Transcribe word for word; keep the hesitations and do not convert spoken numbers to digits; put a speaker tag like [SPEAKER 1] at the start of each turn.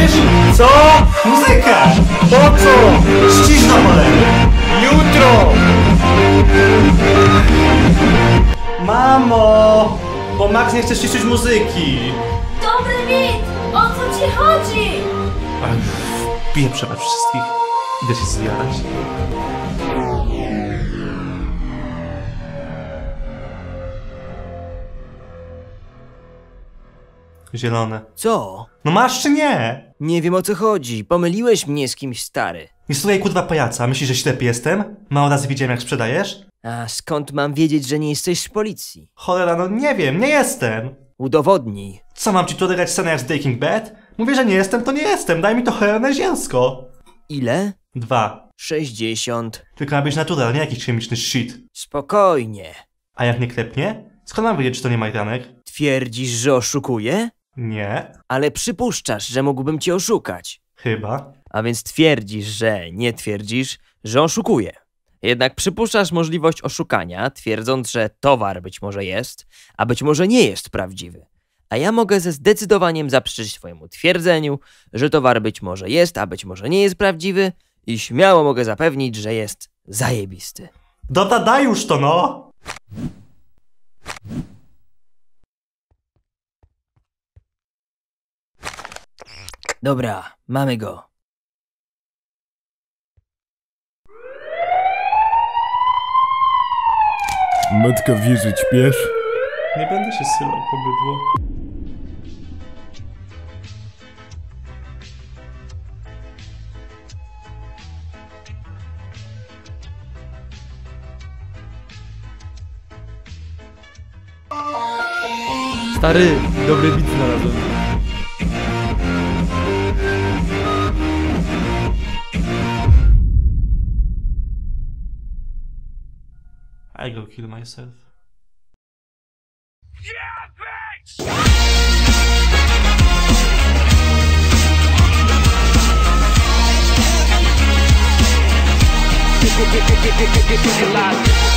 [SPEAKER 1] Słyszysz? Co? Muzykę! Po co? Ścisz na cholerę! Jutro! Mamo! Bo Max nie chce ściszyć muzyki!
[SPEAKER 2] Dobry mit! O co ci chodzi?
[SPEAKER 1] Piję przebacz wszystkich. Idę się zjadać. Zielone.
[SPEAKER 3] Co?
[SPEAKER 1] No masz czy nie?
[SPEAKER 3] Nie wiem o co chodzi. Pomyliłeś mnie z kimś, stary.
[SPEAKER 1] Nie słuchaj kurwa pajaca. Myślisz, że ślepy jestem? Mało razy widziałem jak sprzedajesz?
[SPEAKER 3] A skąd mam wiedzieć, że nie jesteś z policji?
[SPEAKER 1] Cholera, no nie wiem, nie jestem.
[SPEAKER 3] Udowodnij.
[SPEAKER 1] Co, mam ci tu odegrać scenę jak z Breaking Bad? Mówię, że nie jestem, to nie jestem. Daj mi to cholerne zielsko.
[SPEAKER 3] Ile?
[SPEAKER 1] Dwa.
[SPEAKER 3] Sześćdziesiąt.
[SPEAKER 1] Tylko ma być natural, nie jakiś chemiczny shit.
[SPEAKER 3] Spokojnie.
[SPEAKER 1] A jak nie klepnie? Skąd mam wiedzieć, czy to nie majdanek?
[SPEAKER 3] Twierdzisz, że oszukuję?
[SPEAKER 1] Nie.
[SPEAKER 3] Ale przypuszczasz, że mógłbym cię oszukać.
[SPEAKER 1] Chyba.
[SPEAKER 3] A więc twierdzisz, że nie twierdzisz, że oszukuję. Jednak przypuszczasz możliwość oszukania, twierdząc, że towar być może jest, a być może nie jest prawdziwy. A ja mogę ze zdecydowaniem zaprzeczyć twojemu twierdzeniu, że towar być może jest, a być może nie jest prawdziwy i śmiało mogę zapewnić, że jest zajebisty.
[SPEAKER 1] Dobra, daj już to, no!
[SPEAKER 3] Dobra, mamy go.
[SPEAKER 4] Matka wie, że ćpiesz?
[SPEAKER 1] Nie będę się sylał po bydło.
[SPEAKER 4] Stary, dobry bit znalazłem.
[SPEAKER 1] I go kill myself.
[SPEAKER 5] Yeah, bitch!